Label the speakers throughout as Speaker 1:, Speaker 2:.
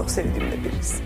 Speaker 1: çok sevdiğim de birisi.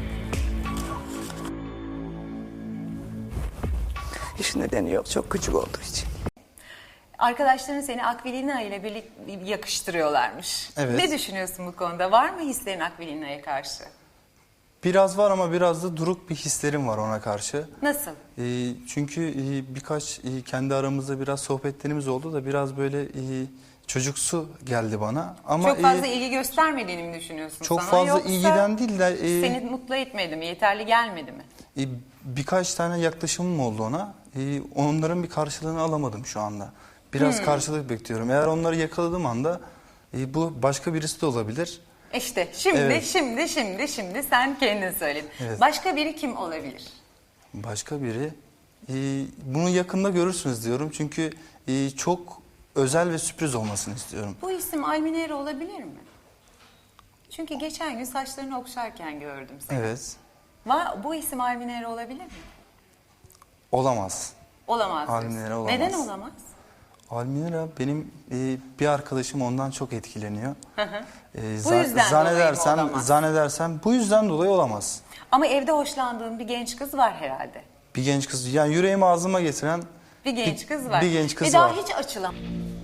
Speaker 1: Hiç nedeni yok, çok küçük olduğu için.
Speaker 2: Arkadaşların seni Akvilina ile birlikte yakıştırıyorlarmış.
Speaker 3: Evet.
Speaker 2: Ne düşünüyorsun bu konuda? Var mı hislerin Akvilina'ya karşı?
Speaker 3: Biraz var ama biraz da duruk bir hislerim var ona karşı.
Speaker 2: Nasıl?
Speaker 3: Çünkü birkaç kendi aramızda biraz sohbetlerimiz oldu da biraz böyle çocuksu geldi bana. Ama
Speaker 2: Çok fazla ilgi göstermediğini mi düşünüyorsun
Speaker 3: çok
Speaker 2: sana?
Speaker 3: fazla
Speaker 2: Yoksa
Speaker 3: ilgiden değil de
Speaker 2: seni mutlu etmedi mi? Yeterli gelmedi mi?
Speaker 3: birkaç tane yaklaşımım oldu ona. Onların bir karşılığını alamadım şu anda. Biraz karşılık bekliyorum. Eğer onları yakaladığım anda bu başka birisi de olabilir.
Speaker 2: İşte şimdi,
Speaker 3: Evet.
Speaker 2: şimdi sen kendin söyledin.
Speaker 3: Evet.
Speaker 2: Başka biri kim olabilir?
Speaker 3: Başka biri. Bunu yakında görürsünüz diyorum. Çünkü çok özel ve sürpriz olmasını istiyorum.
Speaker 2: Bu isim Alminero olabilir mi? Çünkü geçen gün saçlarını okşarken gördüm seni.
Speaker 3: Evet.
Speaker 2: Bu isim Alminero olabilir mi?
Speaker 3: Olamaz.
Speaker 2: Olamaz. diyorsun.
Speaker 3: Alminero olamaz.
Speaker 2: Neden olamaz?
Speaker 3: Almira benim bir arkadaşım ondan çok etkileniyor.
Speaker 2: Bu yüzden dolayı mı olamaz?
Speaker 3: Zannedersem bu yüzden dolayı olamaz.
Speaker 2: Ama evde hoşlandığın bir genç kız var herhalde.
Speaker 3: Bir genç kız, yani yüreğimi ağzıma getiren
Speaker 2: Bir genç kız var.
Speaker 3: bir genç kız
Speaker 2: Ve daha
Speaker 3: var.
Speaker 2: hiç açılan.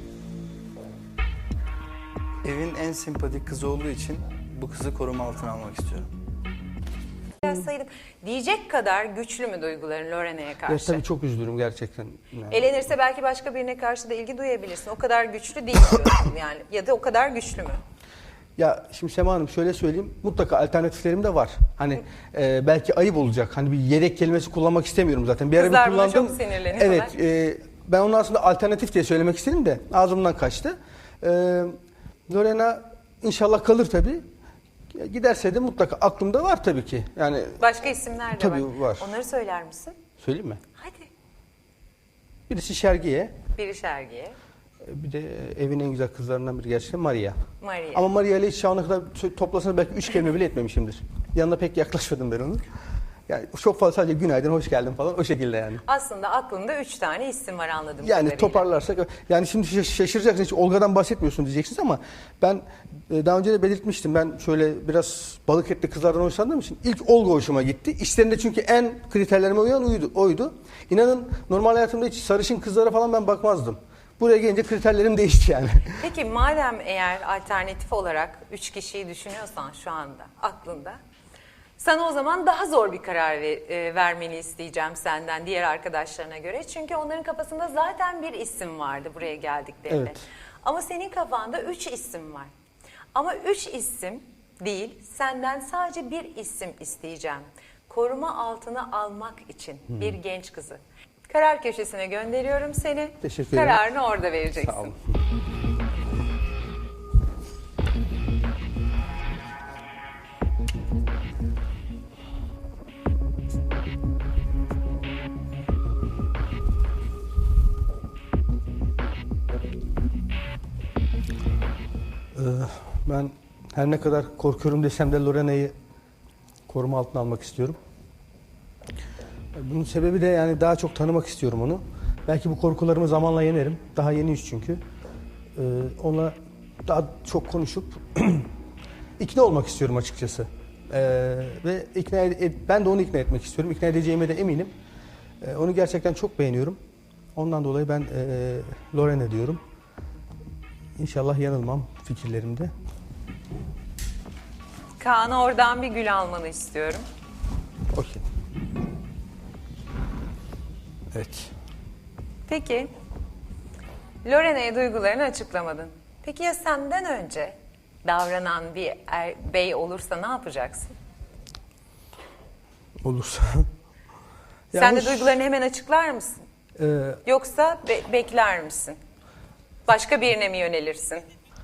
Speaker 3: Evin en sempatik kızı olduğu için bu kızı koruma altına almak istiyorum.
Speaker 2: Biraz saydım. Diyecek kadar güçlü mü duyguların Lorena'ya
Speaker 4: Ya
Speaker 2: karşı?
Speaker 4: tabii çok üzülürüm gerçekten. Yani.
Speaker 2: Elenirse belki başka birine karşı da ilgi duyabilirsin. O kadar güçlü değil diyorsun yani. Ya da o kadar güçlü mü?
Speaker 4: Ya şimdi Sema Hanım şöyle söyleyeyim, mutlaka alternatiflerim de var. Hani belki ayıp olacak. Hani bir yedek kelimesi kullanmak istemiyorum zaten. Bir ara
Speaker 2: Kızlar
Speaker 4: bir
Speaker 2: buna
Speaker 4: kullandım.
Speaker 2: çok sinirleniyorlar.
Speaker 4: Evet, ben onu aslında alternatif diye söylemek istedim de ağzımdan kaçtı. Lorena inşallah kalır tabii. Giderse de mutlaka aklımda var tabii ki. Yani
Speaker 2: Başka isimler de
Speaker 4: Tabii var.
Speaker 2: Onları söyler misin?
Speaker 4: söyleyeyim mi?
Speaker 2: Hadi.
Speaker 4: Birisi Şergiye,
Speaker 2: Biri Şergiye,
Speaker 4: bir de evin en güzel kızlarından biri gerçekten Maria.
Speaker 2: Maria.
Speaker 4: Ama Maria ile hiç şu ana kadar toplasanız belki 3 kelime bile etmemişimdir. Yanına pek yaklaşmadım ben onun. Yani çok fazla sadece günaydın, hoş geldin falan o şekilde yani.
Speaker 2: Aslında aklında 3 tane isim var anladığım
Speaker 4: Yani
Speaker 2: kadarıyla.
Speaker 4: toparlarsak, yani şimdi şaşıracaksınız, hiç Olga'dan bahsetmiyorsun diyeceksiniz ama ben daha önce de belirtmiştim. Ben şöyle biraz balık etli kızlardan hoşlandığım için ilk Olga hoşuma gitti. İşlerinde çünkü en kriterlerime uyan oydu. İnanın normal hayatımda hiç sarışın kızlara falan ben bakmazdım. Buraya gelince kriterlerim değişti yani.
Speaker 2: Peki madem eğer alternatif olarak 3 kişiyi düşünüyorsan şu anda aklında, sana o zaman daha zor bir karar vermeni isteyeceğim senden diğer arkadaşlarına göre. Çünkü onların kafasında zaten bir isim vardı buraya geldiklerinde.
Speaker 4: Evet.
Speaker 2: Ama senin kafanda 3 isim var. Ama 3 isim değil, senden sadece bir isim isteyeceğim. Koruma altına almak için bir genç kızı. Karar köşesine gönderiyorum seni.
Speaker 4: Teşekkür ederim.
Speaker 2: Kararını orada vereceksin.
Speaker 4: Sağ olun. Ben her ne kadar korkuyorum desem de Lorena'yı koruma altına almak istiyorum. Bunun sebebi de yani daha çok tanımak istiyorum onu. Belki bu korkularımı zamanla yenerim. Daha yeniyiz çünkü. Onunla daha çok konuşup ikna olmak istiyorum açıkçası. Ve ben de onu ikna etmek istiyorum. İkna edeceğime de eminim. Onu gerçekten çok beğeniyorum. Ondan dolayı ben Lorena diyorum. İnşallah yanılmam fikirlerimde.
Speaker 2: Kaan'a oradan bir gül almanı istiyorum.
Speaker 4: Okey. Evet.
Speaker 2: Peki, Lorena'ya duygularını açıklamadın. Peki ya senden önce davranan bir bey olursa ne yapacaksın?
Speaker 4: Olursa.
Speaker 2: Sen de
Speaker 4: hoş-
Speaker 2: duygularını hemen açıklar mısın? Yoksa bekler misin? Başka birine mi yönelirsin?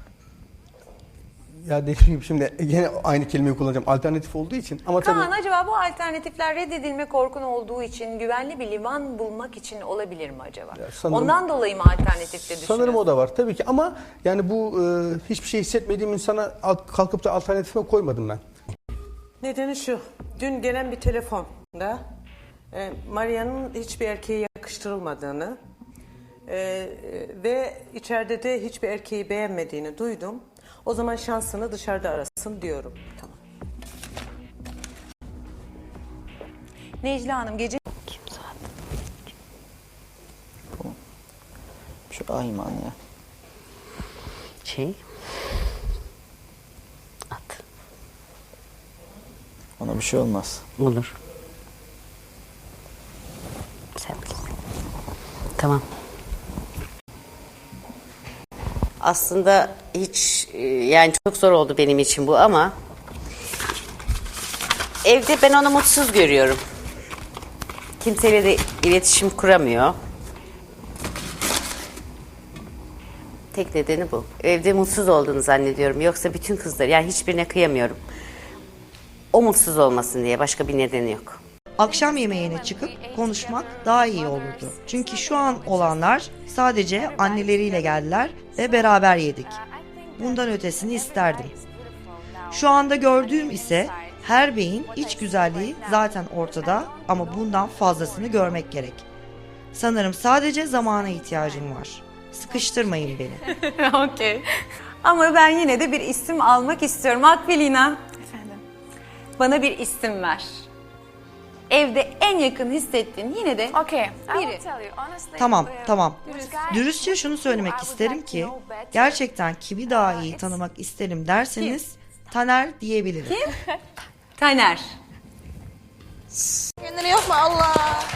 Speaker 4: Ya dediğim gibi şimdi yine aynı kelimeyi kullanacağım. Alternatif olduğu için. Ama
Speaker 2: Kaan
Speaker 4: tabii
Speaker 2: acaba bu alternatifler reddedilme korkun olduğu için güvenli bir liman bulmak için olabilir mi acaba?
Speaker 4: Ya sanırım-
Speaker 2: Ondan dolayı mı alternatifte düşünüyorsun?
Speaker 4: sanırım o da var tabii ki ama yani bu hiçbir şey hissetmediğim insana kalkıp da alternatifime koymadım ben.
Speaker 1: Nedeni şu, dün gelen bir telefonda Maria'nın hiçbir erkeğe yakıştırılmadığını ve içeride de hiçbir erkeği beğenmediğini duydum. O zaman şansını dışarıda arasın diyorum. Tamam.
Speaker 2: Necla Hanım gece
Speaker 5: Kim zaten?
Speaker 6: Şu Ayman ya.
Speaker 5: At.
Speaker 6: Ona bir şey olmaz.
Speaker 5: Olur. Sen bilirsin. Tamam. Aslında hiç yani çok zor oldu benim için bu ama evde ben onu mutsuz görüyorum. Kimseyle de iletişim kuramıyor. Tek nedeni bu. Evde mutsuz olduğunu zannediyorum. Yoksa bütün kızlar yani hiçbirine kıyamıyorum. O mutsuz olmasın diye başka bir nedeni yok.
Speaker 7: Akşam yemeğine çıkıp konuşmak daha iyi olurdu. Çünkü şu an olanlar sadece anneleriyle geldiler ve beraber yedik. Bundan ötesini isterdim. Şu anda gördüğüm ise her beyin iç güzelliği zaten ortada ama bundan fazlasını görmek gerek. Sanırım sadece zamana ihtiyacım var. Sıkıştırmayın beni.
Speaker 2: Okey. Ama ben yine de bir isim almak istiyorum. Akbilina.
Speaker 8: Efendim.
Speaker 2: Bana bir isim ver. Evde en yakın hissettiğin yine de
Speaker 8: Okay, I will
Speaker 2: biri.
Speaker 8: tell you honestly.
Speaker 7: Tamam. Dürüstçe şunu söylemek isterim ki gerçekten kimi daha iyi tanımak isterim derseniz Taner diyebilirim.
Speaker 2: Taner.
Speaker 9: Kendini yapma Allah.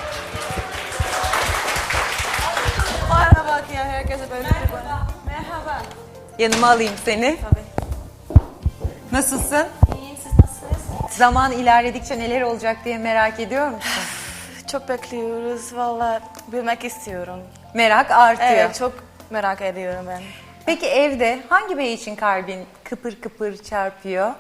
Speaker 9: Bana bak ya herkese böyle bana. Merhaba.
Speaker 2: Yanıma alayım seni. Nasılsın?
Speaker 9: İyiyim siz nasılsınız?
Speaker 2: Zaman ilerledikçe neler olacak diye merak ediyor musun?
Speaker 9: Çok bekliyoruz valla bilmek istiyorum.
Speaker 2: Merak artıyor.
Speaker 9: Evet çok merak ediyorum ben.
Speaker 2: Peki evde hangi bey için kalbin kıpır kıpır çarpıyor?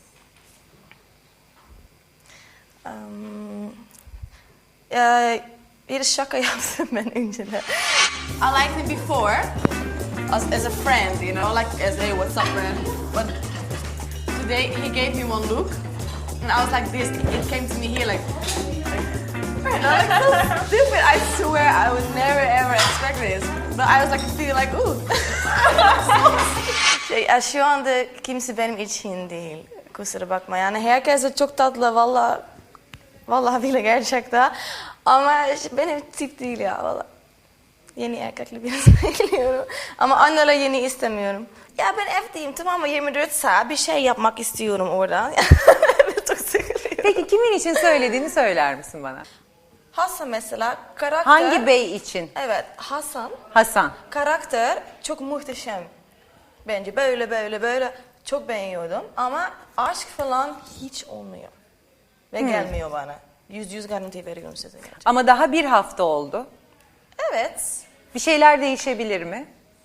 Speaker 9: Bir şaka yaptım ben önceden.
Speaker 10: I liked him before as a friend, you know, like as hey, what's up, man? But today he gave me one look, and I was like this. It came to me here like, you know, like so stupid. I swear I would never ever expect this, but I was like feeling like ooh.
Speaker 9: Şu anda kimse benim için değil. Kusura bakma yani herkes çok tatlı valla. Vallahi bile gerçekten. Ama benim tip değil ya valla. Yeni erkekli birini bekliyorum. Ama anneler yeni istemiyorum. Ya ben evdeyim tamam mı 24 saat bir şey yapmak istiyorum oradan. Çok sıkılıyorum.
Speaker 2: Peki kimin için söylediğini söyler misin bana?
Speaker 9: Hasan mesela karakter.
Speaker 2: Hangi bey için?
Speaker 9: Evet Hasan.
Speaker 2: Hasan.
Speaker 9: Karakter çok muhteşem. Bence böyle çok beğeniyordum. Ama aşk falan hiç olmuyor. Ve gelmiyor bana. Yüz garanti veriyorum size gerçekten.
Speaker 2: Ama daha bir hafta oldu.
Speaker 9: Evet.
Speaker 2: Bir şeyler değişebilir mi?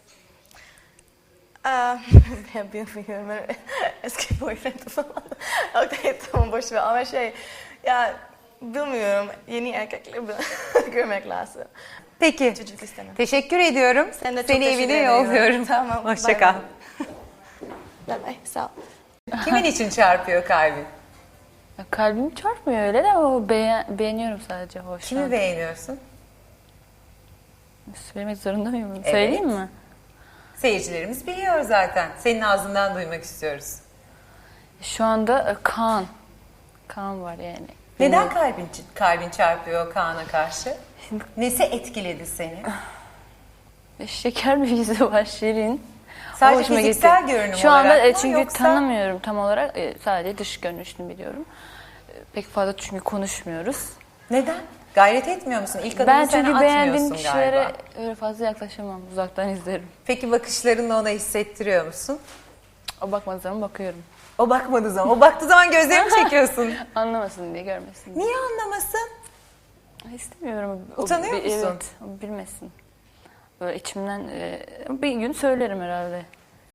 Speaker 9: Ben bilmiyorum. Ben eski boyfriend falan. Okey tamam boş ver ama ya bilmiyorum. Yeni erkekleri görmek lazım.
Speaker 2: Peki.
Speaker 9: Çocuk istemem.
Speaker 2: Teşekkür ediyorum.
Speaker 9: Sen de çok
Speaker 2: Seni
Speaker 9: teşekkür
Speaker 2: evine
Speaker 9: ediyorum.
Speaker 2: yolluyorum.
Speaker 9: Tamam,
Speaker 2: Hoşça
Speaker 9: bay
Speaker 2: kal.
Speaker 9: Bye bye. Sağ ol.
Speaker 2: Kimin için çarpıyor kalbin?
Speaker 8: Ya kalbim çarpmıyor öyle de o beğeniyorum sadece. Hoş.
Speaker 2: Kimi beğeniyorsun?
Speaker 8: Söylemek zorunda mıyım? Söyleyeyim mi?
Speaker 2: Seyircilerimiz biliyor zaten. Senin ağzından duymak istiyoruz.
Speaker 8: Şu anda Kaan. Kaan var yani.
Speaker 2: Neden kalbin çarpıyor Kaan'a karşı? Nesi etkiledi seni?
Speaker 8: Şeker bir yüzü var, şirin.
Speaker 2: Sadece
Speaker 8: Hoşuma
Speaker 2: fiziksel
Speaker 8: gitti.
Speaker 2: görünüm
Speaker 8: Şu anda
Speaker 2: olarak mı,
Speaker 8: çünkü
Speaker 2: yoksa-
Speaker 8: tanımıyorum tam olarak. Sadece dış görünüşünü biliyorum. Pek fazla çünkü konuşmuyoruz.
Speaker 2: Neden? Gayret etmiyor musun? İlk adımı
Speaker 8: Ben
Speaker 2: sen
Speaker 8: çünkü beğendiğim
Speaker 2: atmıyorsun
Speaker 8: kişilere
Speaker 2: galiba.
Speaker 8: öyle fazla yaklaşamam. Uzaktan izlerim.
Speaker 2: Peki bakışlarınla ona hissettiriyor musun?
Speaker 8: O bakmadığı zaman bakıyorum.
Speaker 2: O bakmadığı zaman, o baktığı zaman gözlerimi çekiyorsun.
Speaker 8: Anlamasın diye, görmesin diye.
Speaker 2: Niye anlamasın?
Speaker 8: İstemiyorum.
Speaker 2: Utanıyor musun?
Speaker 8: Evet, o bilmesin. Böyle içimden bir gün söylerim herhalde.